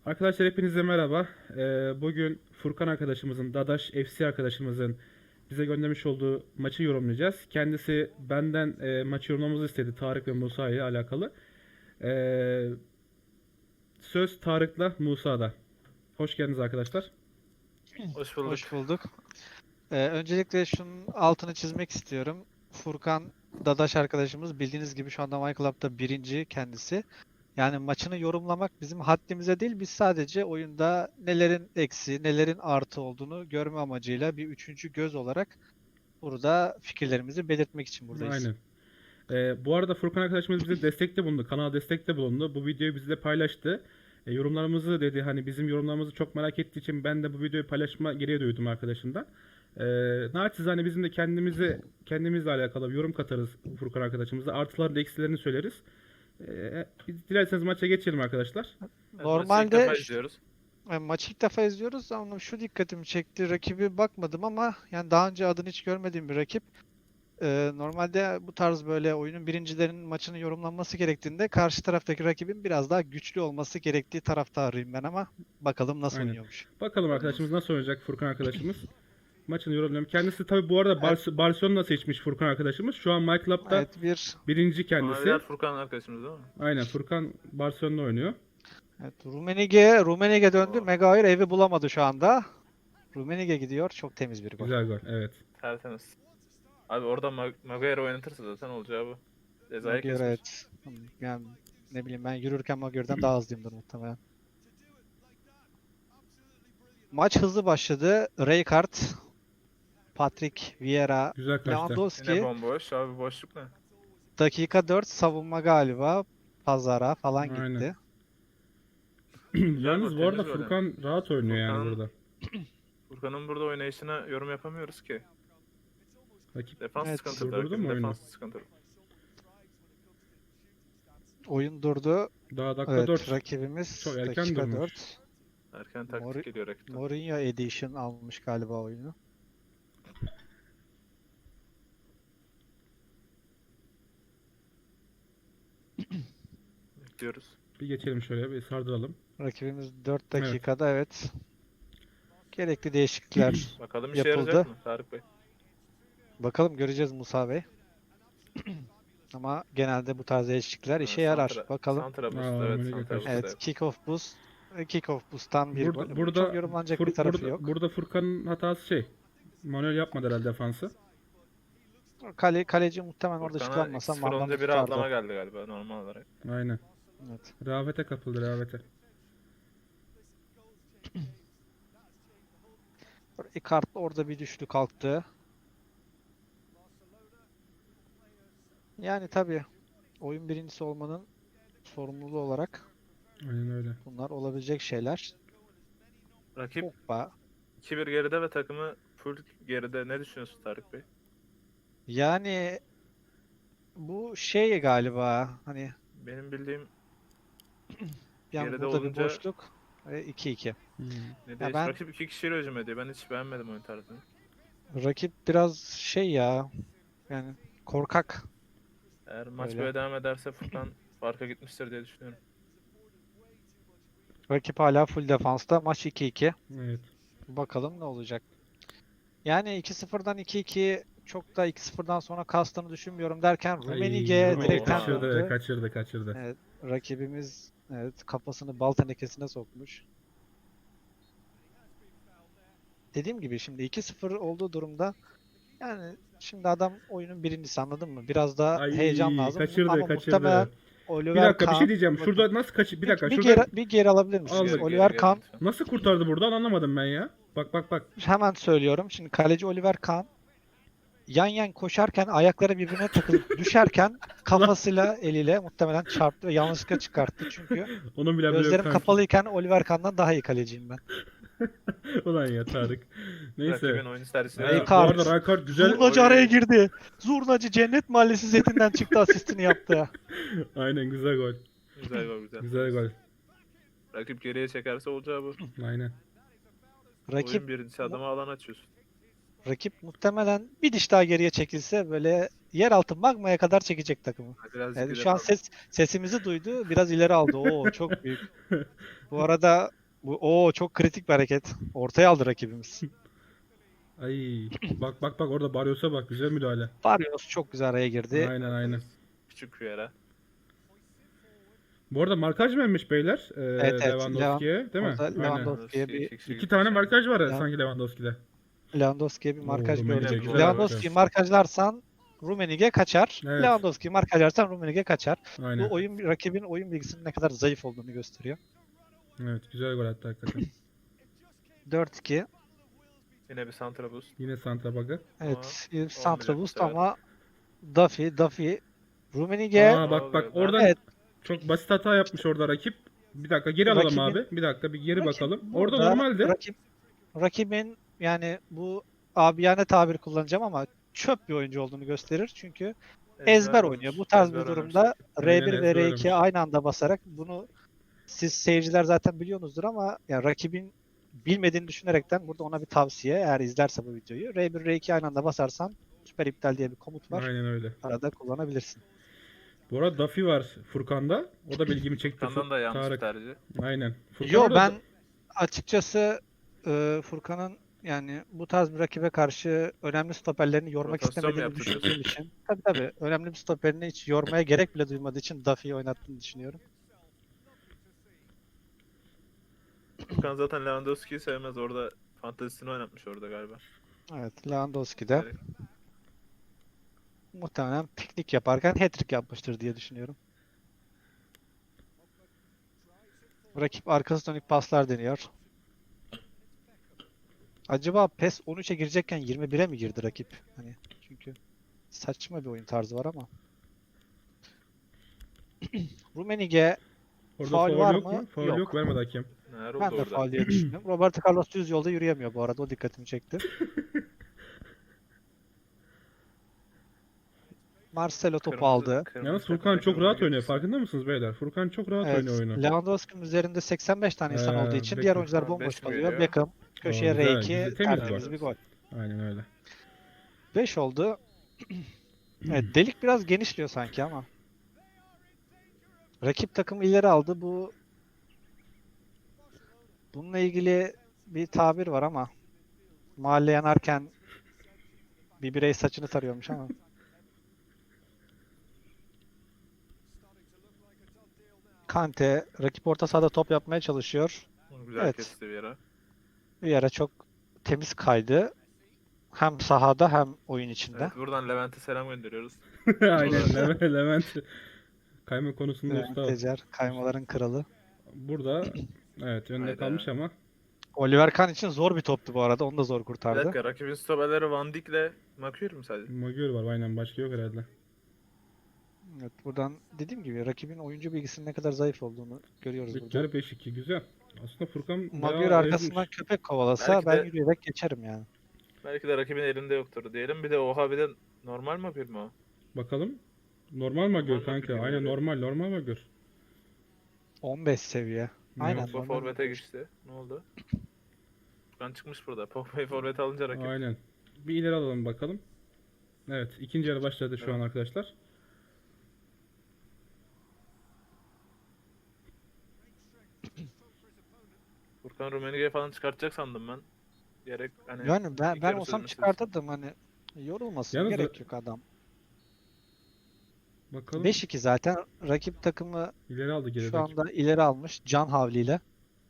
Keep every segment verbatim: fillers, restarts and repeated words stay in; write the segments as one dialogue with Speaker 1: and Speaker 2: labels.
Speaker 1: Arkadaşlar hepinize merhaba. Ee, bugün Furkan arkadaşımızın, Dadaş F C arkadaşımızın bize göndermiş olduğu maçı yorumlayacağız. Kendisi benden e, maçı yorumlamamızı istedi Tarık ve Musa ile alakalı. Ee, söz Tarık'la Musa'da. Hoş geldiniz arkadaşlar.
Speaker 2: Hoş bulduk.
Speaker 3: Hoş bulduk. Ee, öncelikle şunun altını çizmek istiyorum. Furkan Dadaş arkadaşımız bildiğiniz gibi şu anda MyClub'da birinci kendisi. Yani maçını yorumlamak bizim haddimize değil, biz sadece oyunda nelerin eksi, nelerin artı olduğunu görme amacıyla bir üçüncü göz olarak burada fikirlerimizi belirtmek için buradayız.
Speaker 1: Aynen. Ee, bu arada Furkan arkadaşımız bize destekte bulundu. Kanala destekte bulundu. Bu videoyu bizle paylaştı. E, yorumlarımızı dedi. Hani bizim yorumlarımızı çok merak ettiği için ben de bu videoyu paylaşma gereği duydum arkadaşımdan. E, naçizane bizim de kendimizi kendimizle alakalı bir yorum katarız Furkan arkadaşımıza. Artılarını eksilerini söyleriz. E, dilerseniz maça geçelim arkadaşlar.
Speaker 2: Evet, maçı ilk
Speaker 3: Normalde
Speaker 2: defa
Speaker 3: şu-
Speaker 2: izliyoruz.
Speaker 3: e, maçı ilk defa izliyoruz ama şu dikkatimi çekti. Rakibi bakmadım ama yani daha önce adını hiç görmediğim bir rakip. Ee, normalde bu tarz böyle oyunun birincilerinin maçını yorumlanması gerektiğinde karşı taraftaki rakibin biraz daha güçlü olması gerektiği taraftarıyım ben ama bakalım nasıl
Speaker 1: Aynen.
Speaker 3: oynuyormuş.
Speaker 1: Bakalım arkadaşımız nasıl oynayacak Furkan arkadaşımız. Maçını yorumlayalım. Kendisi tabi bu arada
Speaker 3: Evet.
Speaker 1: Bar- Barcelona seçmiş Furkan arkadaşımız. Şu an MyClub'da
Speaker 3: Evet bir
Speaker 1: birinci kendisi.
Speaker 2: Maviler Furkan arkadaşımız değil mi?
Speaker 1: Aynen Furkan Barcelona oynuyor.
Speaker 3: evet, Rummenigge Rummenigge döndü.
Speaker 2: Oo.
Speaker 3: Maguire evi bulamadı şu anda. Rummenigge gidiyor. Çok temiz bir gol.
Speaker 1: Güzel gol, evet.
Speaker 2: Tertemiz. Abi orada Mag- Maguire oynatırsa zaten olacağı bu. Cezayı
Speaker 3: Maguire
Speaker 2: kesmiş.
Speaker 3: evet. Yani ne bileyim ben yürürken Maguire'den daha hızlıyımdır muhtemelen. Maç hızlı başladı. Rijkaard, Patrick Vieira,
Speaker 1: Güzel kaçtı.
Speaker 2: Yine
Speaker 3: Lewandowski.
Speaker 2: bomboş. Abi boşluk ne?
Speaker 3: Dakika dört savunma galiba. Pazara falan
Speaker 1: Aynen.
Speaker 3: gitti.
Speaker 1: Yalnız
Speaker 2: gol,
Speaker 1: bu arada
Speaker 2: temiz gol
Speaker 1: Furkan rahat oynuyor yani
Speaker 2: Furkan-
Speaker 1: burada.
Speaker 2: Furkan'ın burada oynayışına yorum yapamıyoruz ki.
Speaker 1: Rakip
Speaker 2: Defans
Speaker 3: Evet.
Speaker 2: sıkıntılı.
Speaker 1: Durdurdu
Speaker 2: Rakibin
Speaker 1: mu oyunu?
Speaker 2: defans sıkıntılı.
Speaker 3: Oyun durdu.
Speaker 1: Daha dakika
Speaker 3: Evet,
Speaker 1: dört.
Speaker 3: rakibimiz
Speaker 1: Çok erken
Speaker 3: dakika
Speaker 1: durmuş.
Speaker 3: dört.
Speaker 2: Erken taktik
Speaker 3: Mori-
Speaker 2: geliyor rakipten.
Speaker 3: Mourinho Edition almış galiba oyunu.
Speaker 2: Bekliyoruz.
Speaker 1: Bir geçelim şöyle bir sardıralım.
Speaker 3: Rakibimiz dört
Speaker 1: Evet.
Speaker 3: dakikada evet. Gerekli değişiklikler
Speaker 2: Bakalım işe
Speaker 3: yapıldı.
Speaker 2: yarayacak mı Tarık Bey?
Speaker 3: Bakalım göreceğiz Musa Bey. Ama genelde bu tarz değişiklikler işe yarar.
Speaker 2: Santra-
Speaker 3: Bakalım.
Speaker 2: Santra boost,
Speaker 1: Aa,
Speaker 2: evet.
Speaker 1: Amerika
Speaker 2: Santra boost,
Speaker 3: Evet,
Speaker 2: evet.
Speaker 3: kick-off boost. Kick-off boost'tan bir
Speaker 1: Burada
Speaker 3: gol.
Speaker 1: burada
Speaker 3: Çok yorumlanacak
Speaker 1: Fur-
Speaker 3: bir tarafı
Speaker 1: burada,
Speaker 3: yok.
Speaker 1: burada Furkan'ın hatası şey. Manuel yapmadı herhalde defansı.
Speaker 3: Kale, kaleci muhtemelen orada
Speaker 2: Furkan'a
Speaker 3: çıkarmasa
Speaker 2: iki sıfır
Speaker 3: Marlon'u
Speaker 2: olunca bir
Speaker 3: tutardı.
Speaker 2: atlama geldi galiba normal olarak.
Speaker 1: Aynen.
Speaker 3: Evet.
Speaker 1: Rehavete kapıldı rehavete.
Speaker 3: Icardi orada bir düştü kalktı. Yani tabii oyun birincisi olmanın sorumluluğu olarak
Speaker 1: Aynen öyle.
Speaker 3: bunlar olabilecek şeyler.
Speaker 2: Rakip
Speaker 3: Pogba.
Speaker 2: iki bir geride ve takımı full geride. Ne düşünüyorsun Tarık Bey?
Speaker 3: Yani bu şey galiba hani
Speaker 2: Benim bildiğim
Speaker 3: bir an
Speaker 2: Geride
Speaker 3: burada
Speaker 2: olunca-
Speaker 3: bir boşluk ve iki iki.
Speaker 1: Hmm.
Speaker 2: ne değiş-
Speaker 3: ben-
Speaker 2: rakip iki kişiyle hücum ediyor. Ben hiç beğenmedim oyun tarzını.
Speaker 3: Rakip biraz şey ya yani korkak.
Speaker 2: Eğer maç
Speaker 3: Öyle.
Speaker 2: böyle devam ederse Furkan farka gitmiştir diye düşünüyorum.
Speaker 3: Rakip hala full defansta. Maç iki iki.
Speaker 1: Evet.
Speaker 3: Bakalım ne olacak. Yani iki sıfırdan iki iki çok da iki sıfırdan sonra kastığını düşünmüyorum derken
Speaker 1: Ay,
Speaker 3: Rummenigge
Speaker 1: Rummenigge
Speaker 3: direkten
Speaker 1: kaçırdı,
Speaker 3: döndü.
Speaker 1: kaçırdı, kaçırdı.
Speaker 3: Evet, rakibimiz evet kafasını bal tenekesine sokmuş. Dediğim gibi şimdi iki sıfır olduğu durumda yani şimdi adam oyunun birincisi anladın mı? Biraz daha
Speaker 1: Ay,
Speaker 3: heyecan lazım
Speaker 1: kaçırdı,
Speaker 3: ama
Speaker 1: kaçırdı.
Speaker 3: muhtemelen
Speaker 1: Bir
Speaker 3: Oliver
Speaker 1: dakika bir
Speaker 3: Kahn
Speaker 1: şey diyeceğim.
Speaker 3: bakın,
Speaker 1: Şurada nasıl kaç bir dakika
Speaker 3: bir,
Speaker 1: şurada
Speaker 3: geri, bir geri alabilir misiniz?
Speaker 1: Aldık.
Speaker 2: Geri,
Speaker 3: Oliver
Speaker 2: geri,
Speaker 3: Kahn
Speaker 2: geri lütfen.
Speaker 1: nasıl kurtardı buradan anlamadım ben ya. Bak bak bak.
Speaker 3: hemen söylüyorum. Şimdi kaleci Oliver Kahn yan yan koşarken ayakları birbirine takılıp düşerken kafasıyla eliyle muhtemelen çarptı ve yanlışlıkla çıkarttı. Çünkü
Speaker 1: Onun bile haberi yok
Speaker 3: gözlerim
Speaker 1: kanki.
Speaker 3: kapalıyken Oliver Kahn'dan daha iyi kaleciyim ben.
Speaker 1: Ulan ya Tarık. Neyse.
Speaker 2: Rakibin oyun servisine
Speaker 1: Evet, bu
Speaker 3: Rijkaard.
Speaker 1: arada Rijkaard güzel.
Speaker 3: Zurnacı
Speaker 2: Oy.
Speaker 3: araya girdi. Zurnacı Cennet Mahallesi setinden çıktı, asistini yaptı.
Speaker 1: Aynen güzel gol.
Speaker 2: güzel gol güzel.
Speaker 1: Güzel gol.
Speaker 2: Rakip geriye çekerse olacağı bu.
Speaker 1: Aynen.
Speaker 3: Rakip
Speaker 2: Oyun birincisi adama alan açıyorsun.
Speaker 3: rakip muhtemelen bir diş daha geriye çekilse böyle yeraltı magmaya kadar çekecek takımı.
Speaker 2: Birazcık
Speaker 3: Yani
Speaker 2: ileri
Speaker 3: şu an
Speaker 2: al.
Speaker 3: ses sesimizi duydu, biraz ileri aldı. Oo çok büyük. Bu arada Bu o çok kritik bir hareket. Ortaya aldı rakibimiz.
Speaker 1: Ay bak bak bak orada Barrios'a bak, güzel müdahale.
Speaker 3: Barrios çok güzel araya girdi.
Speaker 1: Aynen aynen.
Speaker 2: Küçük bir yere.
Speaker 1: Bu arada markaj vermiş beyler e,
Speaker 3: Evet, evet.
Speaker 1: Lewandowski'ye değil mi?
Speaker 3: Orada
Speaker 1: Aynen.
Speaker 3: Lewandowski'ye bir
Speaker 2: İki kişi
Speaker 1: İki tane
Speaker 2: gitmiş
Speaker 1: markaj var
Speaker 3: Ya.
Speaker 1: sanki Lewandowski'de.
Speaker 3: Lewandowski'ye bir markaj
Speaker 1: Oo,
Speaker 3: gördük.
Speaker 2: Rummenigge güzel
Speaker 3: Lewandowski'yi
Speaker 2: markaj.
Speaker 3: markajlarsan Rummenigge kaçar.
Speaker 1: Evet.
Speaker 3: Lewandowski'yi markajlarsan Rummenigge kaçar.
Speaker 1: Aynen.
Speaker 3: Bu oyun rakibin oyun bilgisinin ne kadar zayıf olduğunu gösteriyor.
Speaker 1: Evet, güzel gol attı hakikaten.
Speaker 3: dört iki.
Speaker 2: Yine bir Santra boost.
Speaker 1: Yine Santa Bag'a.
Speaker 3: Evet,
Speaker 2: Ama
Speaker 3: Santra
Speaker 2: olmayacak bu
Speaker 3: boost
Speaker 2: sefer.
Speaker 3: ama Duffy, Duffy, Rummenigge.
Speaker 1: Aa
Speaker 2: Ne
Speaker 1: bak bak
Speaker 2: oluyor lan?
Speaker 1: oradan
Speaker 3: Evet.
Speaker 1: çok basit hata yapmış orada rakip. Bir dakika geri alalım
Speaker 3: Rakibin-
Speaker 1: abi. Bir dakika bir geri
Speaker 3: Rakip
Speaker 1: bakalım. Orada
Speaker 3: burada
Speaker 1: normalde.
Speaker 3: Rakip, rakibin yani bu abiyane tabir kullanacağım ama çöp bir oyuncu olduğunu gösterir. Çünkü ezber
Speaker 2: oynamış.
Speaker 3: oynuyor. Bu tarz
Speaker 2: Ezber
Speaker 3: bir
Speaker 2: oynamış
Speaker 3: durumda
Speaker 2: rakip.
Speaker 3: R bir
Speaker 1: Aynen,
Speaker 3: ve
Speaker 1: ezber
Speaker 3: R iki
Speaker 1: oynamış.
Speaker 3: aynı anda basarak bunu siz seyirciler zaten biliyorsunuzdur ama ya rakibin bilmediğini düşünerekten burada ona bir tavsiye eğer izlerse bu videoyu. R bir R iki aynı anda basarsan süper iptal diye bir komut var.
Speaker 1: Aynen öyle.
Speaker 3: Arada kullanabilirsin.
Speaker 1: Bu arada Duffy var Furkan'da. O da bilgimi çekti.
Speaker 2: Furkan'dan da
Speaker 1: Fur-
Speaker 2: yanlış bir
Speaker 1: Tarık.
Speaker 2: tercih.
Speaker 1: Aynen. Furkan
Speaker 3: Yo
Speaker 1: orada
Speaker 3: ben
Speaker 1: da-
Speaker 3: açıkçası e, Furkan'ın yani bu tarz bir rakibe karşı önemli stoperlerini yormak
Speaker 2: Rotasyon mu
Speaker 3: istemediğini
Speaker 2: yaptı
Speaker 3: düşündüğüm
Speaker 2: diyorsun?
Speaker 3: için tabii tabii önemli bir stoperini hiç yormaya gerek bile duymadığı için Duffy'yi oynattığını düşünüyorum.
Speaker 2: Furkan zaten Lewandowski'yi sevmez. Orada fantezisini oynatmış orada galiba.
Speaker 3: Evet, Lewandowski de
Speaker 2: Direkt.
Speaker 3: muhtemelen piknik yaparken hat-trick yapmıştır diye düşünüyorum. Rakip arkası dönük paslar deniyor. Acaba PES on üçe girecekken yirmi bire mi girdi rakip? Hani çünkü saçma bir oyun tarzı var ama. Rummenigge
Speaker 1: orada
Speaker 3: faul
Speaker 1: faul
Speaker 3: var
Speaker 1: yok
Speaker 3: mı?
Speaker 1: mu? Faul
Speaker 3: Yok.
Speaker 1: yok, vermedi hakem.
Speaker 2: Neler oldu
Speaker 3: Ben de
Speaker 2: orada?
Speaker 3: faul diye düşünüyorum. Roberto Carlos düz yolda yürüyemiyor bu arada. O dikkatimi çekti. Marcelo topu
Speaker 2: Kırmızı-
Speaker 3: aldı.
Speaker 2: kırmızı
Speaker 1: Yalnız
Speaker 2: takım
Speaker 1: Furkan çok
Speaker 2: takımına
Speaker 1: rahat
Speaker 2: geçti.
Speaker 1: oynuyor. Farkında mısınız beyler? Furkan çok rahat
Speaker 3: Evet.
Speaker 1: oynuyor oyunu.
Speaker 3: Lewandowski'nin üzerinde seksen beş tane insan
Speaker 1: Ee,
Speaker 3: olduğu için
Speaker 1: Beckham.
Speaker 3: diğer oyuncular
Speaker 2: Ha,
Speaker 3: bomboş
Speaker 2: beş mi
Speaker 3: kalıyor.
Speaker 2: geliyor?
Speaker 3: Beckham köşeye
Speaker 1: Oo, güzel,
Speaker 3: R iki
Speaker 1: güzel, temiz
Speaker 3: tertemiz
Speaker 2: gol.
Speaker 3: bir gol.
Speaker 1: Aynen öyle.
Speaker 3: beş oldu. Evet, delik biraz genişliyor sanki ama. Rakip takım ileri aldı. Bu bununla ilgili bir tabir var ama mahalle yanarken bir birey saçını tarıyormuş ama. Kante rakip orta sahada top yapmaya çalışıyor.
Speaker 2: Güzel
Speaker 3: Evet.
Speaker 2: kesti bir yere.
Speaker 3: Bir yere çok temiz kaydı. Hem sahada hem oyun içinde.
Speaker 2: Evet, buradan Levent'e selam gönderiyoruz.
Speaker 1: Aynen Levent. Levent. Kayma konusunda
Speaker 3: Levent
Speaker 1: usta.
Speaker 3: Tecer, kaymaların kralı.
Speaker 1: Burada evet önde
Speaker 2: Hayda.
Speaker 1: kalmış ama.
Speaker 3: Oliver Kahn için zor bir toptu bu arada. Onu da zor
Speaker 2: Bir
Speaker 3: kurtardı.
Speaker 2: dakika, rakibin stoperleri Van Dijk'le Maguire mu sadece?
Speaker 1: Magyar var aynen, başka yok herhalde.
Speaker 3: Evet, buradan dediğim gibi rakibin oyuncu bilgisinin ne kadar zayıf olduğunu görüyoruz
Speaker 1: İlk
Speaker 3: burada.
Speaker 1: yarı beş iki, güzel. Aslında Furkan
Speaker 3: Maguire
Speaker 1: bayağı
Speaker 3: arkasından
Speaker 1: ezmiş.
Speaker 3: köpek kovalasa
Speaker 2: Belki
Speaker 3: ben
Speaker 2: de-
Speaker 3: yürüyerek geçerim yani.
Speaker 2: Belki de rakibin elinde yoktur diyelim. Bir de oha bir de normal Maguire mi o?
Speaker 1: Bakalım. Normal Magyar
Speaker 2: Normal
Speaker 1: kanka.
Speaker 2: Magyar
Speaker 1: Aynen
Speaker 2: yani.
Speaker 1: normal normal Magyar.
Speaker 3: on beş seviye. Aynen.
Speaker 2: Pogba
Speaker 3: normal
Speaker 2: forvete
Speaker 3: bir-
Speaker 2: geçti. Ne oldu? Furkan çıkmış burada. Pogba'yı forvete alınca rakip.
Speaker 1: Aynen. Bir ileri alalım bakalım. Evet, ikinci yarı başladı şu
Speaker 2: Evet.
Speaker 1: an arkadaşlar.
Speaker 2: Furkan Rummenigge'yi falan çıkartacak sandım ben. Gerek hani
Speaker 3: Yani ben,
Speaker 2: ilk
Speaker 3: ben
Speaker 2: yarı
Speaker 3: olsam
Speaker 2: sözleşmesi
Speaker 3: çıkartırdım hani yorulmasın
Speaker 1: Yalnız
Speaker 3: gerek yok adam.
Speaker 1: Bakalım.
Speaker 3: beş iki zaten rakip takımı
Speaker 1: İleri aldı geri.
Speaker 3: şu anda ileri almış can havliyle.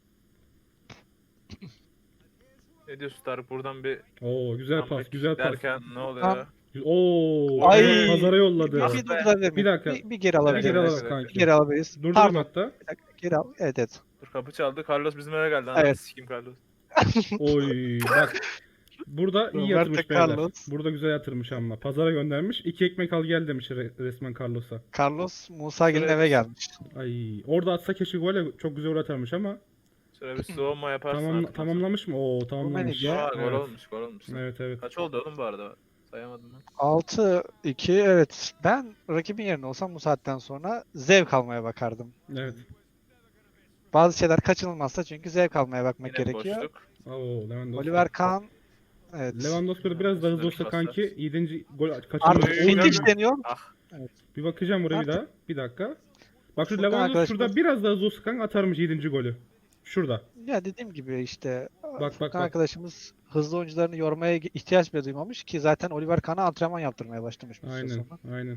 Speaker 2: ne diyorsun Tarık, buradan bir
Speaker 1: Oo güzel
Speaker 2: comeback
Speaker 1: pas, güzel pas.
Speaker 2: derken ne oluyor?
Speaker 1: Oo,
Speaker 3: Ay!
Speaker 1: pazara- pazara yolladı.
Speaker 3: Bir,
Speaker 2: Ah
Speaker 3: bir
Speaker 2: be.
Speaker 3: durdurabilir miyim?
Speaker 1: Bir dakika.
Speaker 3: Bir, bir geri
Speaker 1: Bir
Speaker 3: alabilir
Speaker 1: geri
Speaker 3: miyiz?
Speaker 1: alalım
Speaker 2: dakika.
Speaker 3: Bir
Speaker 1: kanki.
Speaker 3: geri alabiliriz.
Speaker 1: Durdurdum
Speaker 3: Pardon.
Speaker 1: hatta.
Speaker 3: Bir dakika geri al. Evet evet.
Speaker 2: Dur, kapı çaldı. Carlos bizim eve geldi. Ananı
Speaker 3: Evet.
Speaker 2: sikeyim Carlos.
Speaker 1: Oy bak. Burada iyi
Speaker 3: Roberto
Speaker 1: yatırmış beyler.
Speaker 3: Carlos.
Speaker 1: Burada güzel yatırmış ama. Pazara göndermiş. İki ekmek al gel demiş re- resmen Carlos'a.
Speaker 3: Carlos Musa Gil'in
Speaker 2: Şuraya
Speaker 3: eve
Speaker 2: bir-
Speaker 3: gelmiş.
Speaker 1: Ay orada atsa keşke gole çok güzel gol atarmış ama.
Speaker 2: Şöyle bir soğuma yaparsın
Speaker 1: Tamam,
Speaker 2: artık.
Speaker 1: tamamlamış mı? Oo tamamlamış.
Speaker 3: Rummenigge-
Speaker 2: Aa, gol
Speaker 1: Evet.
Speaker 2: olmuş, gol olmuş.
Speaker 1: Evet evet.
Speaker 2: Kaç oldu oğlum bu arada? Sayamadım ben.
Speaker 3: altı iki evet. Ben rakibin yerine olsam bu saatten sonra zevk almaya bakardım.
Speaker 1: Evet.
Speaker 3: Bazı şeyler kaçınılmazsa çünkü zevk almaya bakmak
Speaker 2: Yine bir
Speaker 3: gerekiyor.
Speaker 2: boşluk.
Speaker 1: Oo Lewandowski.
Speaker 3: Oliver Kahn evet.
Speaker 1: Lewandowski da biraz daha hızlı olsa
Speaker 2: Üstüne bir
Speaker 1: kanki yedinci gol
Speaker 3: Artık
Speaker 1: kaçırmış.
Speaker 2: Oy,
Speaker 3: Vintage
Speaker 2: geldi.
Speaker 3: deniyor.
Speaker 2: Ah.
Speaker 1: Bir bakacağım buraya bir
Speaker 3: Artık-
Speaker 1: daha. Bir dakika. Bak şu
Speaker 3: Furkan
Speaker 1: Lewandowski
Speaker 3: arkadaşımız-
Speaker 1: şurada biraz daha hızlı olsa kanka atarmış yedinci golü. Şurada.
Speaker 3: Ya dediğim gibi işte
Speaker 1: Bak bak
Speaker 3: Furkan
Speaker 1: bak.
Speaker 3: arkadaşımız hızlı oyuncularını yormaya ihtiyaç bile duymamış ki zaten Oliver Kahn'a antrenman yaptırmaya başlamış bu süre
Speaker 1: Aynen.
Speaker 3: sonra.
Speaker 1: Aynen.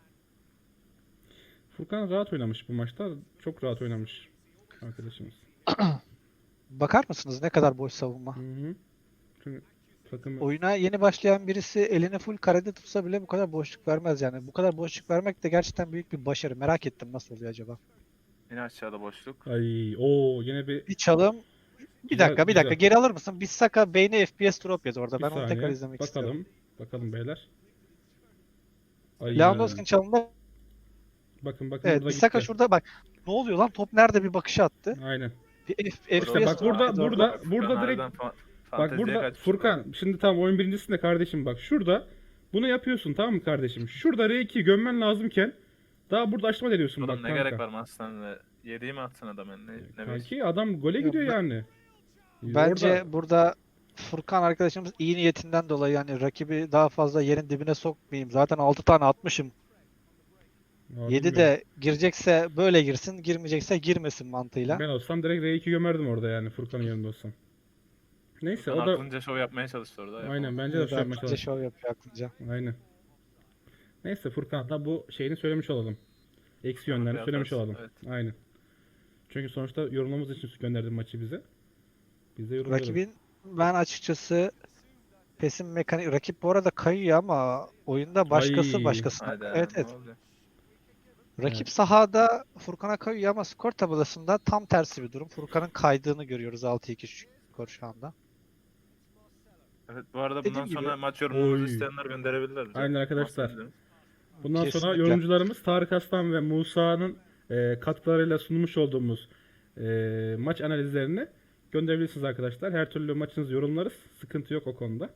Speaker 1: Furkan rahat oynamış bu maçta. Çok rahat oynamış arkadaşımız.
Speaker 3: Bakar mısınız ne kadar boş savunma?
Speaker 1: Hı hı. Çünkü takım
Speaker 3: Oyuna yeni başlayan birisi elini full karede tutsa bile bu kadar boşluk vermez yani. Bu kadar boşluk vermek de gerçekten büyük bir başarı. Merak ettim nasıl oluyor acaba?
Speaker 2: Yine aşağıda boşluk.
Speaker 1: ay o yine bir
Speaker 3: Bir çalım. Bir
Speaker 1: güzel
Speaker 3: dakika bir dakika
Speaker 1: güzel.
Speaker 3: geri alır mısın? Bissaka beyni F P S drop yedi orada.
Speaker 1: Bir
Speaker 3: Ben onu tekrar
Speaker 1: saniye.
Speaker 3: izlemek istiyorum.
Speaker 1: Bakalım. Bakalım beyler. Ay
Speaker 3: Lewandowski'nin çalımında
Speaker 1: bakın bakın
Speaker 3: evet
Speaker 1: burada
Speaker 3: Bissaka
Speaker 1: gitti.
Speaker 3: şurada bak. Ne oluyor lan? Top nerede bir bakışı attı.
Speaker 1: Aynen.
Speaker 3: Bir F-
Speaker 2: Burada
Speaker 1: İşte bak
Speaker 3: F P S drop
Speaker 1: burada
Speaker 3: yedi orada.
Speaker 1: burada
Speaker 2: Furkan
Speaker 1: burada direkt
Speaker 2: harbiden fa-
Speaker 1: bak
Speaker 2: fanteziye
Speaker 1: burada
Speaker 2: kaçmış
Speaker 1: Furkan
Speaker 2: burada.
Speaker 1: şimdi tam oyun birincisinde kardeşim bak şurada bunu yapıyorsun tamam mı kardeşim? Şurada R ikiyi gömmen lazımken daha burada açma ediyorsun
Speaker 2: Oğlum
Speaker 1: bak
Speaker 2: ne
Speaker 1: kanka.
Speaker 2: gerek var Marslan'la? Yediği mi atsın adam yani? Ne, ne bileyim.
Speaker 1: Kanki adam gole
Speaker 3: Ya
Speaker 1: gidiyor
Speaker 3: ben-
Speaker 1: yani.
Speaker 3: Bence
Speaker 1: Orada
Speaker 3: burada Furkan arkadaşımız iyi niyetinden dolayı yani rakibi daha fazla yerin dibine sokmayayım. Zaten altı tane atmışım.
Speaker 1: Abi
Speaker 3: yedi
Speaker 1: bilmiyorum.
Speaker 3: de girecekse böyle girsin, girmeyecekse girmesin mantığıyla.
Speaker 1: Ben olsam direkt R iki gömerdim orada yani Furkan'ın yerinde olsam. Neyse
Speaker 2: Furkan
Speaker 1: o da
Speaker 2: aklınca şov yapmaya çalıştı orada.
Speaker 1: aynen
Speaker 2: yapamadı.
Speaker 1: bence de
Speaker 3: Evet,
Speaker 1: şey yapmaya
Speaker 3: aklınca
Speaker 1: çalıştı.
Speaker 3: şov yapıyor aklınca.
Speaker 1: Aynen. Neyse Furkan da bu şeyini söylemiş olalım. Eksi
Speaker 2: Tamam,
Speaker 1: yönlerini
Speaker 2: bir
Speaker 1: söylemiş
Speaker 2: atarsın,
Speaker 1: olalım.
Speaker 2: evet.
Speaker 1: Aynen. Çünkü sonuçta yorumlamamız için gönderdi maçı bize. Biz de yorumlayalım.
Speaker 3: Rakibin ben açıkçası PES'in mekanik rakip bu arada kayıyor ama oyunda başkası
Speaker 1: Ay.
Speaker 3: başkasına.
Speaker 2: Haydi
Speaker 3: Evet
Speaker 2: ne
Speaker 3: evet.
Speaker 2: olacak?
Speaker 3: Rakip
Speaker 1: Evet.
Speaker 3: sahada Furkan'a kayıyor ama skor tabelasında tam tersi bir durum. Furkan'ın kaydığını görüyoruz altı iki skor şu anda.
Speaker 2: Evet bu arada
Speaker 3: Dediğim
Speaker 2: bundan
Speaker 3: gibi-
Speaker 2: sonra maç yorumumuzu
Speaker 1: Oy.
Speaker 2: isteyenler gönderebilirler bize.
Speaker 1: Aynen arkadaşlar.
Speaker 2: Marslan'ın.
Speaker 1: Bundan sonra
Speaker 3: Kesinlikle.
Speaker 1: yorumcularımız Tarık Aslan ve Musa'nın e, katkılarıyla sunmuş olduğumuz e, maç analizlerini gönderebilirsiniz arkadaşlar. Her türlü maçınızı yorumlarız. Sıkıntı yok o konuda.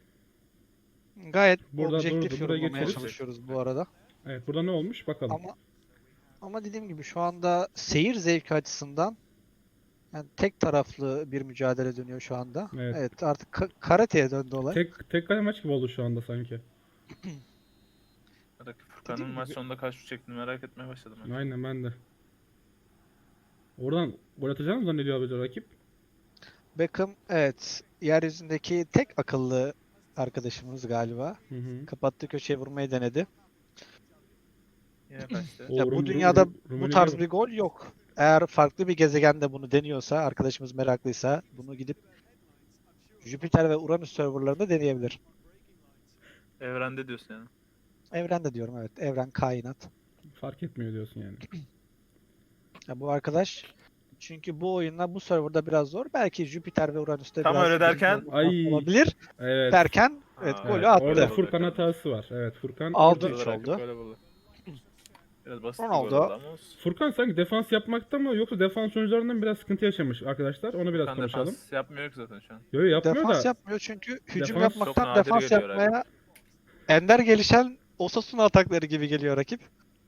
Speaker 3: Gayet
Speaker 1: Burada
Speaker 3: objektif
Speaker 1: durdu, buraya
Speaker 3: yorumlamaya
Speaker 1: geçeriz.
Speaker 3: çalışıyoruz bu arada.
Speaker 1: Evet burada ne olmuş bakalım.
Speaker 3: Ama ama dediğim gibi şu anda seyir zevki açısından yani tek taraflı bir mücadele dönüyor şu anda.
Speaker 1: Evet.
Speaker 3: Evet, artık ka- karateye döndü olay.
Speaker 1: Tek tek kale maç gibi oldu şu anda sanki.
Speaker 2: Rakip Furkan'ın
Speaker 3: Dediğim
Speaker 2: maç
Speaker 3: gibi-
Speaker 2: sonunda kaç şut çektiğini merak etmeye başladım. ben.
Speaker 1: Aynen ben de. Oradan gol atacağını mı zannediyor abi rakip?
Speaker 3: Beckham evet yeryüzündeki tek akıllı arkadaşımız galiba.
Speaker 1: Hı hı.
Speaker 3: Kapattığı köşeye vurmayı denedi.
Speaker 2: Yine kaçtı.
Speaker 1: O
Speaker 3: Ya
Speaker 1: Rum-
Speaker 3: bu
Speaker 1: Rum-
Speaker 3: dünyada
Speaker 1: Rum-
Speaker 3: bu
Speaker 1: Rummenigge
Speaker 3: tarz
Speaker 1: vur-
Speaker 3: bir gol yok. Eğer farklı bir gezegende bunu deniyorsa, arkadaşımız meraklıysa bunu gidip Jüpiter ve Uranüs serverlarında deneyebilir.
Speaker 2: Evrende diyorsun yani.
Speaker 3: Evrende diyorum evet. Evren, kainat.
Speaker 1: fark etmiyor diyorsun yani.
Speaker 3: Ya bu arkadaş çünkü bu oyunla bu serverda biraz zor. Belki Jüpiter ve Uranüs'te
Speaker 2: Tam
Speaker 3: biraz
Speaker 2: öyle derken-
Speaker 3: uzun
Speaker 1: Ay.
Speaker 3: olabilir.
Speaker 1: Evet.
Speaker 3: Derken evet
Speaker 2: Aa,
Speaker 3: golü
Speaker 1: Evet,
Speaker 3: attı.
Speaker 1: orada
Speaker 2: Attı.
Speaker 1: Furkan hatası var. Evet Furkan
Speaker 3: Altı
Speaker 1: orada
Speaker 3: üç
Speaker 2: Burada rakip
Speaker 3: oldu.
Speaker 2: böyle buldu. Biraz basit
Speaker 3: Ronaldo.
Speaker 2: bir gol oldu ama olsun.
Speaker 1: Furkan sanki defans yapmakta mı yoksa defans oyuncularından biraz sıkıntı yaşamış arkadaşlar. Onu biraz
Speaker 2: Furkan
Speaker 1: konuşalım.
Speaker 2: defans yapmıyor ki zaten şu an.
Speaker 1: Yo yo yapmıyor
Speaker 3: Defans
Speaker 1: da
Speaker 3: yapmıyor çünkü hücum
Speaker 1: Defans
Speaker 2: çok
Speaker 3: yapmaktan
Speaker 2: nadir
Speaker 3: defans
Speaker 2: geliyor
Speaker 3: yapmaya ender gelişen Osasuna atakları gibi geliyor rakip.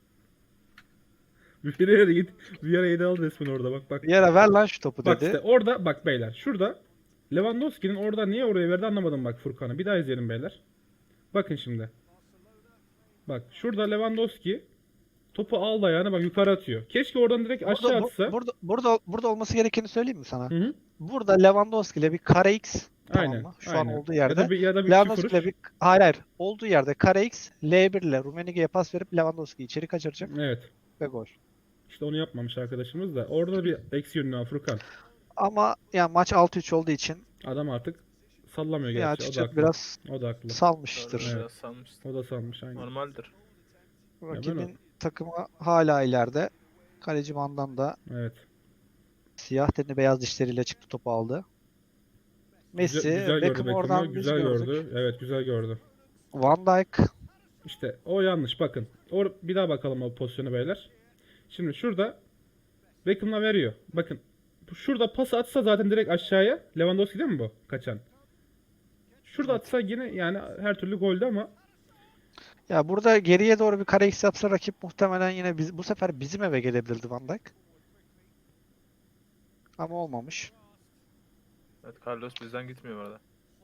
Speaker 1: bir yere git bir yere yedi al resmen orada bak bak.
Speaker 3: Bir yere ver lan şu topu
Speaker 1: Bak
Speaker 3: dedi.
Speaker 1: işte orada bak beyler şurada Lewandowski'nin orada niye oraya verdi anlamadım bak Furkan'ı. Bir daha izleyelim beyler. Bakın şimdi. Bak şurada Lewandowski topu aldı ayağına bak yukarı atıyor. Keşke oradan direkt aşağı
Speaker 3: Burada, bu-
Speaker 1: atsa.
Speaker 3: burada, burada, burada olması gerekeni söyleyeyim mi sana?
Speaker 1: Hı hı.
Speaker 3: Burada Lewandowski ile bir kare X tamam
Speaker 1: Aynen.
Speaker 3: mı? Şu
Speaker 1: aynen.
Speaker 3: an olduğu
Speaker 1: Ya
Speaker 3: yerde.
Speaker 1: da bir, ya da bir iki
Speaker 3: Lewandowski
Speaker 1: kuruş.
Speaker 3: ile bir hayır hayır olduğu yerde kare X L bir ile Rummenigge'ye pas verip Lewandowski'yi içeri kaçıracak
Speaker 1: Evet.
Speaker 3: ve gol.
Speaker 1: İşte onu yapmamış arkadaşımız da. Orada bir eksi yönü var Furkan.
Speaker 3: Ama yani maç altı üç olduğu için
Speaker 1: Adam artık sallamıyor
Speaker 3: ya
Speaker 1: gerçi. O da
Speaker 3: açıkçası
Speaker 1: haklı.
Speaker 3: biraz
Speaker 1: O da haklı.
Speaker 3: salmıştır.
Speaker 2: Doğru,
Speaker 1: Evet.
Speaker 2: biraz salmıştı.
Speaker 1: O da salmış aynen.
Speaker 2: Normaldir.
Speaker 3: Rakibin takımı hala ileride. Kaleci Van'dan da
Speaker 1: Evet.
Speaker 3: siyah tenli beyaz dişleriyle çıktı topu aldı. Messi,
Speaker 1: Güzel, güzel gördü
Speaker 3: Beckham'ı
Speaker 1: Beckham'ı.
Speaker 3: oradan biz
Speaker 1: Güzel
Speaker 3: gördük.
Speaker 1: gördü. Evet güzel gördü.
Speaker 3: Van Dijk
Speaker 1: İşte o yanlış bakın. Or bir daha bakalım o pozisyonu beyler. Şimdi şurada Beckham'la veriyor. Bakın. bu- Şurada pas atsa zaten direkt aşağıya. Lewandowski değil mi bu? Kaçan. Şurada atsa yine yani her türlü goldü ama
Speaker 3: ya burada geriye doğru bir kare X yapsa rakip muhtemelen yine biz, bu sefer bizim eve gelebilirdi Van Dijk. Ama olmamış.
Speaker 2: Evet Carlos bizden gitmiyor bu arada.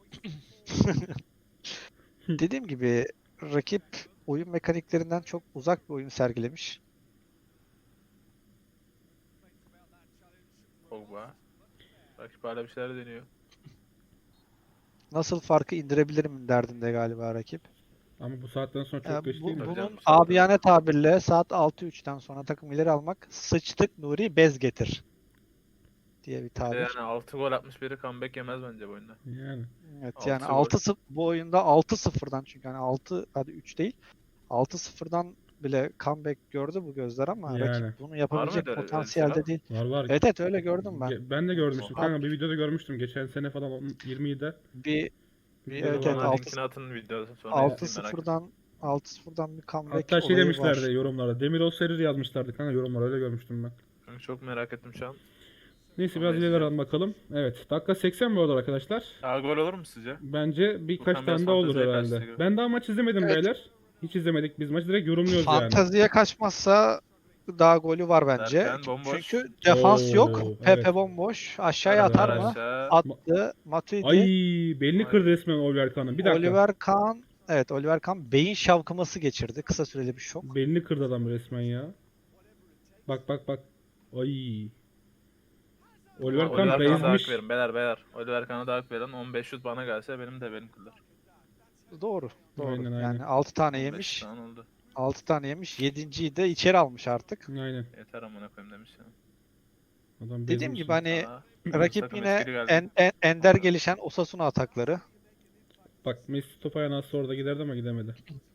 Speaker 3: Dediğim gibi rakip oyun mekaniklerinden çok uzak bir oyun sergilemiş.
Speaker 2: Pogba. Rakip hala bir şeyler deniyor.
Speaker 3: Nasıl farkı indirebilirim derdinde galiba rakip.
Speaker 1: Ama bu saatten sonra çok
Speaker 3: Ya
Speaker 1: geç
Speaker 3: bu,
Speaker 1: değil mi?
Speaker 2: Tabii
Speaker 3: bunun
Speaker 2: canım, saatte.
Speaker 3: abiyane tabirle saat altı üçten sonra takım ileri almak sıçtık Nuri bez getir diye bir
Speaker 2: Bir de
Speaker 3: tabir.
Speaker 2: yani altı gol atmış biri comeback yemez bence bu oyunda.
Speaker 1: Yani.
Speaker 3: Evet
Speaker 2: altı
Speaker 3: yani
Speaker 2: gol.
Speaker 3: altı sıfır bu oyunda altı sıfırdan çünkü hani altı hadi üç değil altı sıfırdan bile comeback gördü bu gözler ama
Speaker 1: Yani.
Speaker 3: rakip bunu yapabilecek
Speaker 2: öyle- öyle
Speaker 3: potansiyelde
Speaker 2: şeyler?
Speaker 3: değil.
Speaker 1: Var var.
Speaker 3: Evet evet öyle gördüm ben.
Speaker 1: Ge- Ben de görmüştüm
Speaker 3: Abi,
Speaker 1: kanka, bir videoda görmüştüm geçen sene falan on- yirmide.
Speaker 3: bir,
Speaker 1: Bir
Speaker 3: bir
Speaker 1: videoda
Speaker 3: evet evet
Speaker 2: Bana
Speaker 1: vardı.
Speaker 3: altı
Speaker 2: linkini atın videosu sonra
Speaker 3: altı
Speaker 2: izleyeyim merak ettim.
Speaker 3: sıfırdan altı sıfırdan bir comeback
Speaker 1: Hatta şey
Speaker 3: olayı
Speaker 1: demişlerdi
Speaker 3: var.
Speaker 1: yorumlarda. Demirol Serir yazmışlardı kanka yorumlara, öyle görmüştüm ben.
Speaker 2: Kanka çok merak ettim şu an.
Speaker 1: Neyse
Speaker 2: Onu
Speaker 1: biraz
Speaker 2: da
Speaker 1: ileri
Speaker 2: izleyeceğim.
Speaker 1: alalım bakalım. Evet, dakika seksen bu arada arkadaşlar.
Speaker 2: Daha gol olur mu sizce?
Speaker 1: Bence birkaç
Speaker 2: Furkan biraz
Speaker 1: tane daha olur
Speaker 2: fanteziye
Speaker 1: herhalde.
Speaker 2: kaçtı gibi.
Speaker 1: Ben daha maç izlemedim
Speaker 3: Evet.
Speaker 1: beyler. Hiç izlemedik, biz maçı direkt yorumluyoruz yani.
Speaker 3: Fanteziye kaçmazsa daha golü var bence.
Speaker 2: Derken bomboş.
Speaker 3: Çünkü defans yok.
Speaker 1: Oo,
Speaker 3: Pepe
Speaker 1: evet.
Speaker 3: bomboş. Aşağıya
Speaker 1: Evet.
Speaker 3: atar
Speaker 2: Atar
Speaker 3: mı?
Speaker 2: aşağı.
Speaker 3: Attı. Matuidi.
Speaker 1: Ay, belini
Speaker 2: Ay.
Speaker 1: kırdı resmen Oliver Kahn'ın. Bir dakika.
Speaker 3: Oliver Kahn. Evet Oliver Kahn beyin şavkıması geçirdi. Kısa süreli bir şok.
Speaker 1: Belini kırdı adam resmen ya. Bak bak bak. Ay. Oliver
Speaker 2: Oliver
Speaker 1: Kahn
Speaker 2: Kahn'a da hak
Speaker 1: bezmiş.
Speaker 2: verin beyler beyler. Oliver Kahn'a da hak verin. on beş şut bana gelse benim de benim kılır.
Speaker 3: Doğru. Doğru.
Speaker 1: Aynen, aynen.
Speaker 3: Yani altı tane
Speaker 2: on beş
Speaker 3: yemiş.
Speaker 2: tane oldu.
Speaker 3: altı tane yemiş. yedinciyi de içeri almış artık.
Speaker 1: Aynen.
Speaker 2: Yeter amına koyayım demiş ya.
Speaker 1: Adam bezmiş.
Speaker 3: Dediğim gibi hani
Speaker 2: Aa,
Speaker 3: rakip
Speaker 2: takım
Speaker 3: yine
Speaker 2: etkili geldi.
Speaker 3: en, en- ender gelişen Osasuna atakları.
Speaker 1: Bak Messi top ayağına atsa orada giderdi ama gidemedi.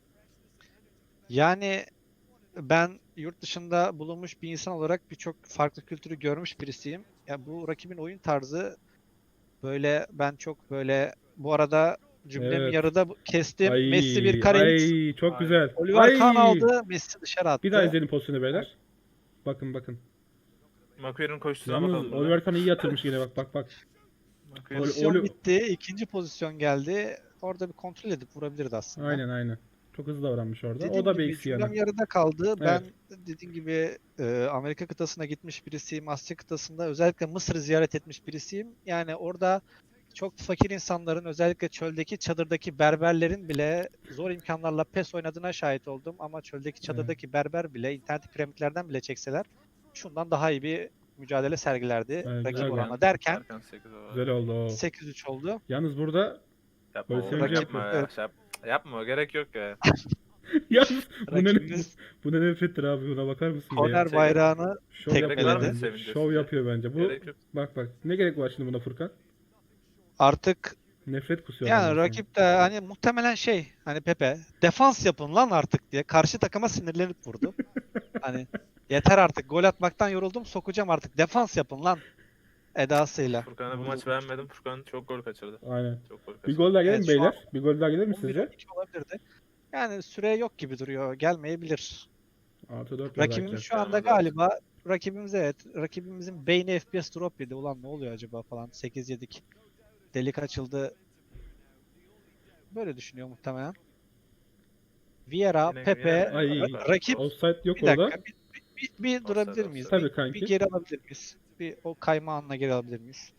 Speaker 3: Yani ben yurt dışında bulunmuş bir insan olarak birçok farklı kültürü görmüş birisiyim. Ya bu rakibin oyun tarzı böyle ben çok böyle bu arada cümlemi
Speaker 1: Evet.
Speaker 3: yarıda bu- kestim.
Speaker 1: Ay,
Speaker 3: Messi bir kare X.
Speaker 1: ay çok
Speaker 2: Ay.
Speaker 1: güzel.
Speaker 3: Oliver
Speaker 1: Ay.
Speaker 3: Kahn aldı. Messi dışarı attı.
Speaker 1: Bir daha izleyelim pozisyonu beyler. Bakın bakın.
Speaker 2: Maguire'in koşusuna
Speaker 1: Yalnız
Speaker 2: bakalım.
Speaker 1: Oliver Kahn iyi yatırmış yine, bak bak bak.
Speaker 2: Maguire-
Speaker 1: Oli-
Speaker 3: Pozisyon
Speaker 1: Oli-
Speaker 3: bitti. İkinci pozisyon geldi. Orada bir kontrol edip vurabilirdi aslında.
Speaker 1: Aynen aynen. Çok hızlı davranmış orada.
Speaker 3: Dediğim
Speaker 1: o da bir
Speaker 3: gibi
Speaker 1: eksi
Speaker 3: cümlem
Speaker 1: yani.
Speaker 3: yarıda kaldı. Ben dediğim gibi e, Amerika kıtasına gitmiş birisiyim. Asya kıtasında özellikle Mısır'ı ziyaret etmiş birisiyim. Yani orada çok fakir insanların özellikle çöldeki çadırdaki berberlerin bile zor imkanlarla PES oynadığına şahit oldum. Ama çöldeki çadırdaki berber bile internet piramitlerden bile çekseler şundan daha iyi bir mücadele sergilerdi
Speaker 1: Evet,
Speaker 3: rakip
Speaker 1: güzel
Speaker 3: oranla
Speaker 1: yani.
Speaker 3: derken
Speaker 2: Erken sekiz o.
Speaker 1: Güzel oldu o.
Speaker 3: sekiz üç oldu.
Speaker 1: Yalnız burada
Speaker 2: Yapma
Speaker 1: Böyle
Speaker 2: oğlum,
Speaker 1: sevince
Speaker 2: yapma
Speaker 3: yapıyor.
Speaker 2: ya.
Speaker 3: Evet.
Speaker 2: Şey yap- yapma gerek yok ya.
Speaker 1: yalnız bu ne,
Speaker 3: Rakibimiz
Speaker 1: bu ne nefrettir abi, buna bakar mısın bir ya?
Speaker 3: korner
Speaker 2: Şey-
Speaker 3: bayrağını
Speaker 1: Şov
Speaker 3: Gerek
Speaker 1: yapıyor
Speaker 3: var mı
Speaker 1: bence.
Speaker 2: sevince
Speaker 1: Şov
Speaker 2: sizce?
Speaker 1: yapıyor bence. Bu
Speaker 2: Gerek yok.
Speaker 1: bak bak. Ne gerek var şimdi buna Furkan?
Speaker 3: artık
Speaker 1: Nefret kusuyor.
Speaker 3: yani
Speaker 1: adam resmen.
Speaker 3: rakip de hani muhtemelen şey hani Pepe defans yapın lan artık diye karşı takıma sinirlenip vurdu. Hani yeter artık gol atmaktan yoruldum sokacağım artık defans yapın lan edasıyla.
Speaker 2: Furkan'a bu
Speaker 3: vurdu.
Speaker 2: maç beğenmedim. Furkan çok gol kaçırdı.
Speaker 1: Aynen.
Speaker 2: Çok gol
Speaker 1: Bir
Speaker 2: kaçırdı.
Speaker 1: gol daha gelir mi
Speaker 3: Evet, şu
Speaker 1: beyler? Bir gol daha gelir mi
Speaker 3: on bir
Speaker 1: sizce?
Speaker 3: on iki olabilirdi. Yani süre yok gibi duruyor. Gelmeyebilir.
Speaker 1: Artı dört
Speaker 3: Rakibimiz
Speaker 1: belki.
Speaker 3: şu anda
Speaker 2: Gelmez artık.
Speaker 3: galiba rakibimiz evet rakibimizin beyni F P S drop yedi. Ulan ne oluyor acaba falan sekiz yedik. Delik açıldı. Böyle düşünüyor muhtemelen. Vieira,
Speaker 2: Yine-
Speaker 3: Pepe,
Speaker 2: yine-
Speaker 1: Ay,
Speaker 3: ra- rakip
Speaker 1: Offside yok
Speaker 3: bir dakika
Speaker 1: orada.
Speaker 3: bir, bir, bir, bir durabilir miyiz?
Speaker 2: offside.
Speaker 1: Tabii
Speaker 3: Bir,
Speaker 1: kanki.
Speaker 3: bir geri alabilir miyiz? Bir o kayma anına geri alabilir miyiz?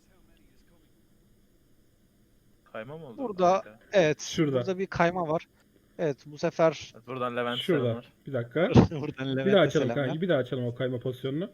Speaker 2: Kayma mı oldu?
Speaker 3: Burada
Speaker 2: Kanka?
Speaker 3: evet
Speaker 1: Şurada.
Speaker 3: burada bir kayma var. Evet bu sefer
Speaker 2: Buradan Levent
Speaker 1: Şurada.
Speaker 2: selamlar.
Speaker 1: Bir dakika.
Speaker 3: buradan
Speaker 1: Bir daha
Speaker 3: Levent'e
Speaker 1: açalım
Speaker 3: selamlar.
Speaker 1: kanki. Bir daha açalım o kayma pozisyonunu.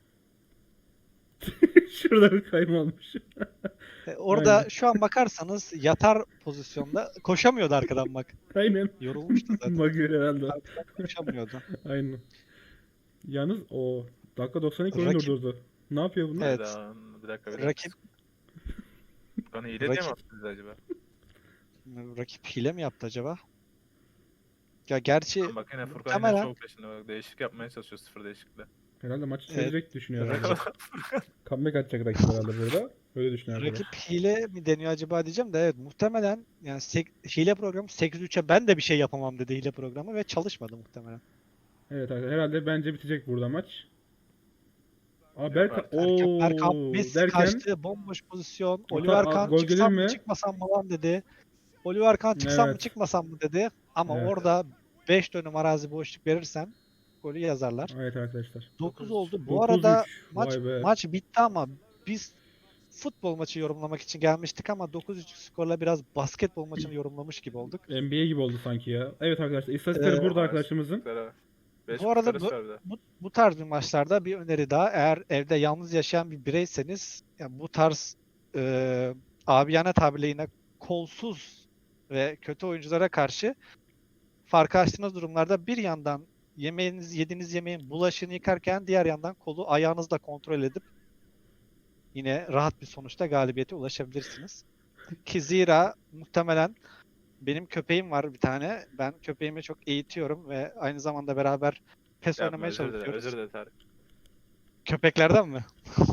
Speaker 1: Şurada bir kayma olmuş.
Speaker 3: E, Orada
Speaker 1: Aynen.
Speaker 3: şu an bakarsanız yatar pozisyonda koşamıyordu arkadan bak.
Speaker 1: Aynen.
Speaker 3: Yorulmuştu zaten.
Speaker 1: Maguire herhalde.
Speaker 3: Arkadan koşamıyordu.
Speaker 1: Aynen. Yalnız o dakika doksan iki oyun
Speaker 3: Rakip-
Speaker 1: durdurdu. Ne yapıyor bunlar?
Speaker 3: Evet.
Speaker 2: Hayda, Bir dakika bir dakika.
Speaker 3: Rakip
Speaker 2: Furkan'ı hile diye mi
Speaker 3: rakip-
Speaker 2: attınız acaba?
Speaker 3: rakip hile mi yaptı acaba? Ya gerçi
Speaker 2: Bak yine Furkan yine
Speaker 3: muhtemelen
Speaker 2: şov peşinde bak. Değişik yapmaya çalışıyor sıfır değişiklikle.
Speaker 1: Herhalde maçı
Speaker 3: Evet.
Speaker 1: çevirecek düşünüyor herhalde.
Speaker 3: Rakip-
Speaker 1: Comeback atacak rakip herhalde burada. Öyle düşünüyor herhalde.
Speaker 3: rakip hile mi deniyor acaba diyeceğim de evet muhtemelen yani sek- hile programı sekiz üçe ben de bir şey yapamam dedi hile programı ve çalışmadı muhtemelen.
Speaker 1: Evet arkadaşlar, herhalde bence bitecek burada maç. Aa
Speaker 2: Yok
Speaker 1: Berkan
Speaker 2: artık.
Speaker 3: Erkan,
Speaker 1: ooo
Speaker 3: Erkan Messi
Speaker 1: derken
Speaker 3: kaçtı bomboş pozisyon.
Speaker 1: Ata-
Speaker 3: Oliver
Speaker 1: a-
Speaker 3: Kahn
Speaker 1: gol
Speaker 3: çıksam
Speaker 1: gelir
Speaker 3: mı
Speaker 1: mi?
Speaker 3: çıkmasam mı lan dedi. Oliver Kahn çıksam mı
Speaker 1: Evet.
Speaker 3: çıkmasam mı dedi. Ama
Speaker 1: Evet.
Speaker 3: orada beş dönüm arazi boşluk verirsen golü yazarlar.
Speaker 1: evet arkadaşlar.
Speaker 3: dokuz
Speaker 2: dokuz
Speaker 3: oldu. Bu
Speaker 1: dokuz
Speaker 3: arada
Speaker 1: üç.
Speaker 3: maç
Speaker 1: Vay be.
Speaker 3: maç bitti ama biz futbol maçı yorumlamak için gelmiştik ama dokuz üç skorla biraz basketbol maçını yorumlamış gibi olduk.
Speaker 1: N B A gibi oldu sanki ya. Evet arkadaşlar, istatistikleri
Speaker 3: Ee,
Speaker 1: burada arkadaşımızın.
Speaker 2: Sıra- beş
Speaker 3: Bu arada
Speaker 2: kurtarış
Speaker 3: bu,
Speaker 2: var bir de.
Speaker 3: bu, bu tarz bir maçlarda bir öneri daha. Eğer evde yalnız yaşayan bir bireyseniz ya bu tarz e, abiyane tabirle yine kolsuz ve kötü oyunculara karşı farkı açtığınız durumlarda bir yandan yemeğiniz, yediğiniz yemeğin bulaşığını yıkarken diğer yandan kolu ayağınızla kontrol edip yine rahat bir sonuçta galibiyete ulaşabilirsiniz. Ki zira muhtemelen benim köpeğim var bir tane. Ben köpeğimi çok eğitiyorum ve aynı zamanda beraber PES
Speaker 2: Yapma,
Speaker 3: oynamaya
Speaker 2: özür dilerim,
Speaker 3: çalışıyoruz.
Speaker 2: özür dilerim Tarık.
Speaker 3: Köpeklerden mi?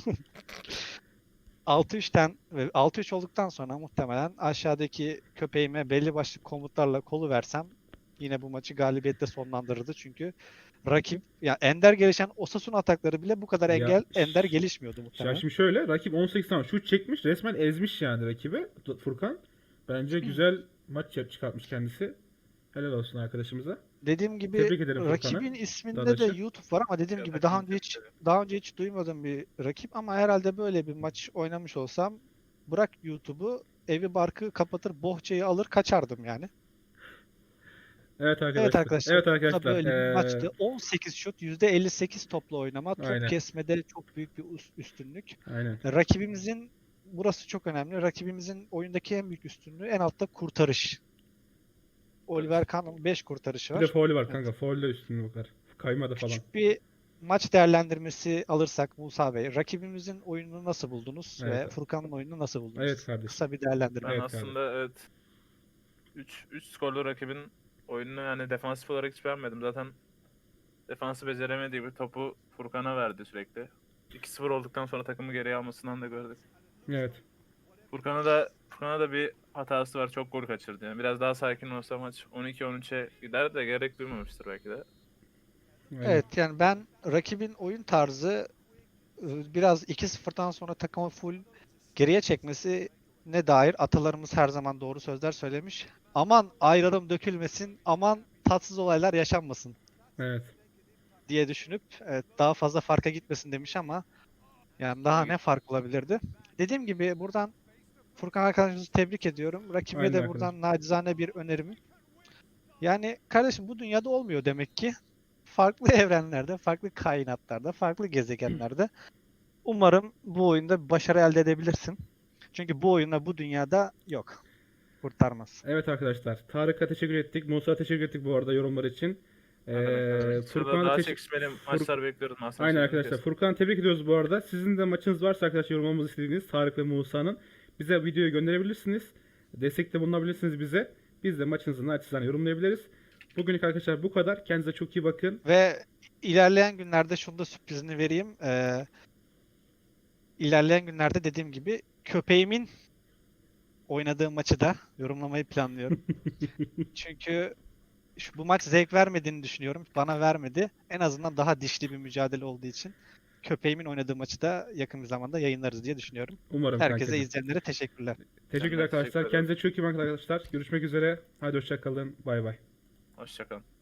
Speaker 3: altı üçten ve altı üç olduktan sonra muhtemelen aşağıdaki köpeğime belli başlı komutlarla kolu versem yine bu maçı galibiyetle sonlandırırdı. Çünkü rakip ya ender gelişen Osasuna atakları bile bu kadar
Speaker 1: Ya,
Speaker 3: engel ender
Speaker 1: ş-
Speaker 3: gelişmiyordu
Speaker 1: Ya
Speaker 3: muhtemelen.
Speaker 1: şimdi şöyle, rakip on sekiz tane şut çekmiş, resmen ezmiş yani rakibi Furkan. Bence güzel maç yap çıkartmış kendisi. Helal olsun arkadaşımıza.
Speaker 3: Dediğim gibi
Speaker 1: Tebrik ederim Furkan'ı.
Speaker 3: rakibin isminde de
Speaker 1: Dadaş'ı.
Speaker 3: YouTube var ama dediğim
Speaker 2: Ya
Speaker 3: gibi
Speaker 2: da
Speaker 3: daha
Speaker 2: kim
Speaker 3: önce hiç
Speaker 2: tepkili?
Speaker 3: daha önce hiç duymadığım bir rakip ama herhalde böyle bir maç oynamış olsam bırak YouTube'u evi barkı kapatır bohçayı alır kaçardım yani.
Speaker 1: Evet
Speaker 3: Evet
Speaker 1: arkadaşlar.
Speaker 3: arkadaşlar
Speaker 1: Evet
Speaker 3: bu da
Speaker 1: arkadaşlar.
Speaker 3: böyle bir
Speaker 1: Ee,
Speaker 3: maçtı. on sekiz şut, yüzde elli sekiz topla oynama, top
Speaker 1: aynen.
Speaker 3: kesmede çok büyük bir üst- üstünlük.
Speaker 1: Aynen.
Speaker 3: Rakibimizin burası çok önemli. Rakibimizin oyundaki en büyük üstünlüğü en altta kurtarış. Oliver Kahn'ın beş kurtarışı
Speaker 1: Bir de
Speaker 3: var.
Speaker 1: faulü var
Speaker 3: Evet.
Speaker 1: kanka. Faulde üstünlüğü bakar. Kaymadı falan.
Speaker 3: Küçük bir maç değerlendirmesi alırsak Musa Bey, rakibimizin oyununu nasıl buldunuz ve
Speaker 1: Evet.
Speaker 3: Furkan'ın oyununu nasıl buldunuz?
Speaker 1: Evet kardeşim.
Speaker 3: Kısa bir değerlendirme.
Speaker 2: Ben
Speaker 1: Evet
Speaker 2: aslında evet üç üç skorlu rakibin oyununu yani defansif olarak hiç beğenmedim. Zaten defansı beceremediği bir topu Furkan'a verdi sürekli. iki sıfır olduktan sonra takımı geriye almasından da gördük.
Speaker 1: Evet.
Speaker 2: Furkan'a da Furkan'a da bir hatası var. Çok gol kaçırdı. Yani biraz daha sakin olsa maç on iki on üçe gider de gerek duymamıştır belki de.
Speaker 1: Aynen.
Speaker 3: Evet yani ben rakibin oyun tarzı e, biraz iki sıfırdan sonra takımı full geriye çekmesi ne dair atalarımız her zaman doğru sözler söylemiş. Aman ayrılım dökülmesin, aman tatsız olaylar yaşanmasın
Speaker 1: Evet.
Speaker 3: diye düşünüp evet, daha fazla farka gitmesin demiş ama yani daha ne fark olabilirdi? Dediğim gibi buradan Furkan arkadaşımızı tebrik ediyorum. Rakibe
Speaker 1: Aynen
Speaker 3: de
Speaker 1: arkadaşlar.
Speaker 3: buradan nacizane bir önerim. Yani kardeşim bu dünyada olmuyor demek ki. Farklı evrenlerde, farklı kainatlarda, farklı gezegenlerde umarım bu oyunda bir başarı elde edebilirsin. Çünkü bu oyunda bu dünyada yok. Kurtarmaz.
Speaker 1: Evet arkadaşlar. Tarık'a teşekkür ettik. Musa'ya teşekkür ettik bu arada yorumlar için.
Speaker 2: Ne demek, ne
Speaker 1: Ee,
Speaker 2: demek. Sırada
Speaker 1: Furkan'a
Speaker 2: daha
Speaker 1: teşe-
Speaker 2: çekişmeli
Speaker 1: Fur-
Speaker 2: maçlar bekliyoruz. Mahsen
Speaker 1: Aynen
Speaker 2: sözünü
Speaker 1: arkadaşlar.
Speaker 2: kestim.
Speaker 1: Furkan'ı tebrik ediyoruz bu arada. Sizin de maçınız varsa arkadaşlar yorumlamamızı istediğiniz Tarık ve Musa'nın bize videoyu gönderebilirsiniz. Destekte bulunabilirsiniz bize. Biz de maçınızı naçizane yorumlayabiliriz. Bugünlük arkadaşlar bu kadar. Kendinize çok iyi bakın.
Speaker 3: Ve ilerleyen günlerde şunu da sürprizini vereyim. Ee, ilerleyen günlerde dediğim gibi köpeğimin oynadığı maçı da yorumlamayı planlıyorum. Çünkü şu, bu maç zevk vermediğini düşünüyorum. Bana vermedi. En azından daha dişli bir mücadele olduğu için köpeğimin oynadığı maçı da yakın bir zamanda yayınlarız diye düşünüyorum.
Speaker 1: Umarım
Speaker 3: Herkese
Speaker 1: kankacığım.
Speaker 3: izleyenlere teşekkürler.
Speaker 1: Teşekkürler
Speaker 2: Ben de teşekkür
Speaker 1: arkadaşlar.
Speaker 2: ederim.
Speaker 1: Kendinize çok iyi bakın arkadaşlar. Görüşmek üzere. Hadi hoşça kalın. Bay bay.
Speaker 2: Hoşçakalın.